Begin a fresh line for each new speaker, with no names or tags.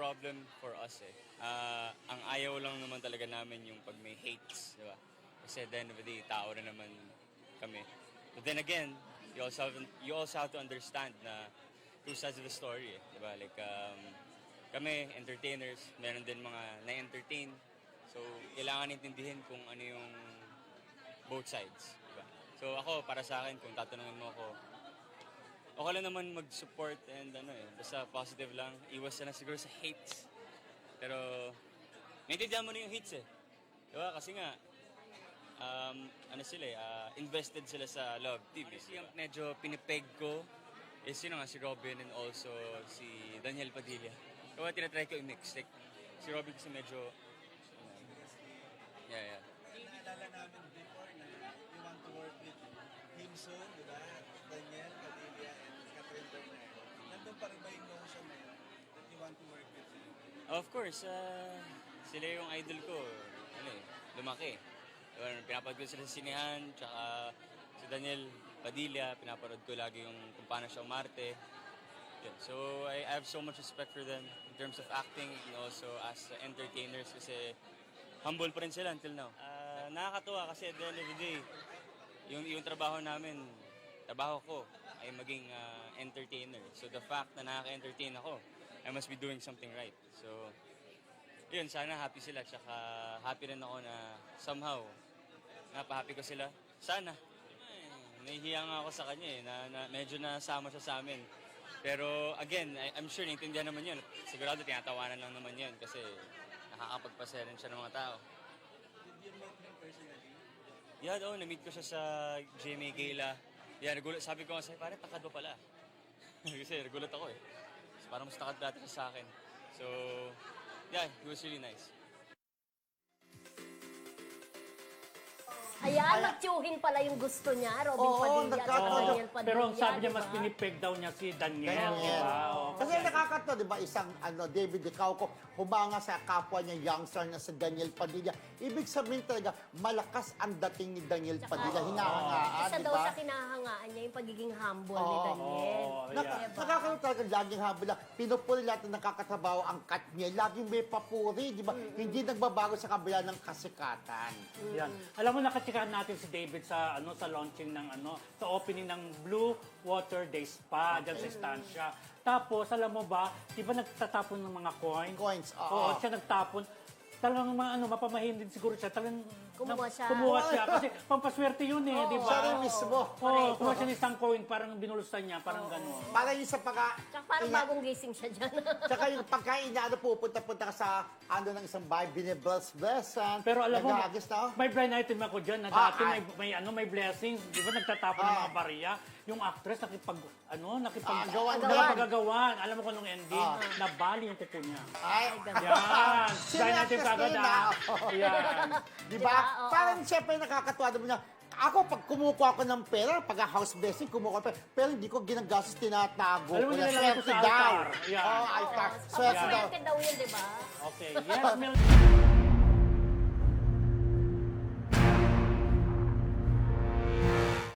problem for us eh. Ang ayaw lang naman talaga namin yung pag may hates, di ba? Kasi at the end of the day, tao rin naman kami. But then again, you also have to understand na two sides of the story eh, di ba? Like, kami, entertainers, meron din mga na-entertain. So, kailangan intindihin kung ano yung both sides, di ba? So, ako, para sa akin, kung tatanungin mo ako, okay lang naman mag-support and basta positive lang. Iwas na siguro sa hates. Pero, naintindihan mo na yung hates eh. Diba? Kasi nga, invested sila sa Love TV. Honestly, yung medyo pinipeg ko is si Robin and also si Daniel Padilla. Kaya tinatry ko i-mix. Like, si Robin kasi medyo, yeah.
Naalala namin before na you want to work with him soon, di ba? Daniel Padilla and Catherine Bernardo. Nandun pa rin ba yung notion na yun that you want to work with him?
Of course, sila yung idol ko. Lumaki. Pinapanood ko sila sa sinehan, tsaka si Daniel Padilla, pinapanood ko lagi yung kung paano siya umarte. Yeah. So, I have so much respect for them in terms of acting and also as entertainers kasi humble pa rin sila until now. Nakakatuwa kasi at the end of the day, yung trabaho ko ay maging entertainer. So, the fact na nakaka-entertain ako, I must be doing something right. So, yun, sana happy sila. Tsaka happy rin ako na somehow, napahappy ko sila. Sana. Nahihiya nga ako sa kanya na medyo nasama siya sa amin. Pero again, I'm sure naintindihan naman yun. Sigurado tinatawanan lang naman yun kasi nakakapagpasaya rin siya ng mga tao.
Did you meet him personally?
Yeah, na-meet ko siya sa GMA Gala. Yeah, sabi ko nga sa'yo, parang takad mo pala. Kasi nagulat ako eh. So, parang mas takad dati siya sa akin. So, yeah, it was really nice.
Ayan, matsuhin pala yung gusto niya, Robin Padilla at Daniel Padilla.
Pero ang sabi niya,
diba?
mas pinipeg daw niya si Daniel.
Daniel.
Diba?
Kasi nakakatawa, di ba, isang David Dicauco, humanga sa kapwa niya, youngster na si Daniel Padilla. Ibig sabihin talaga, malakas ang dating ni Daniel Padilla. Hinahangaan,
Isa
di
daw
ba?
sa kinahangaan niya yung pagiging humble ni Daniel.
Nakakaroon talaga laging habol lang. Pinupuli lahat na nakakatrabaho ang cut niya. Laging may papuri, di ba? Hindi nagbabago sa kabila ng kasikatan.
Yan. Alam mo, nakachikahan natin si David sa sa launching ng sa opening ng Blue Water Day Spa dyan sa Estancia. Tapos, alam mo ba, di ba nagtatapon ng mga coins?
Coins,
Oo, siya nagtapon. Talagang mapamahin din siguro siya. Talagang
Kumuha siya.
Kumuha siya. Kasi pampaswerte yun eh, di ba?
Siya rin mismo.
Oo, kumuha siya ng isang coin, parang binulusan niya, parang gano'n.
Parang yung sa pagka...
Tsaka parang bagong gising siya dyan.
Tsaka yung pagkain na pupunta ka sa ng isang bahay, binibless-blessan.
Pero alam mo,
nag-aagis na.
may blind item ako dyan na dati may blessings. Di ba nagtatapon ng mga bariya? Yung actress nakipagagawan. Alam mo kung anong ending? Nabali yung kuko niya.
Ay,
Yan. Blind item kagad Yan.
Di ba? Parang siyempre nakakatuwa naman niya. Ako, pag kumukuha ko ng pera, pag house blessing, kumukuha ko ng pera, pero hindi ko ginagastos, tinatago.
Alam mo,
Kaya
nilalagay ko
swerte
sa
daw.
altar. Yan.
Oo, altar.
Swerte
Swerte daw.
daw yun, di ba?
Okay. Yes, Mel.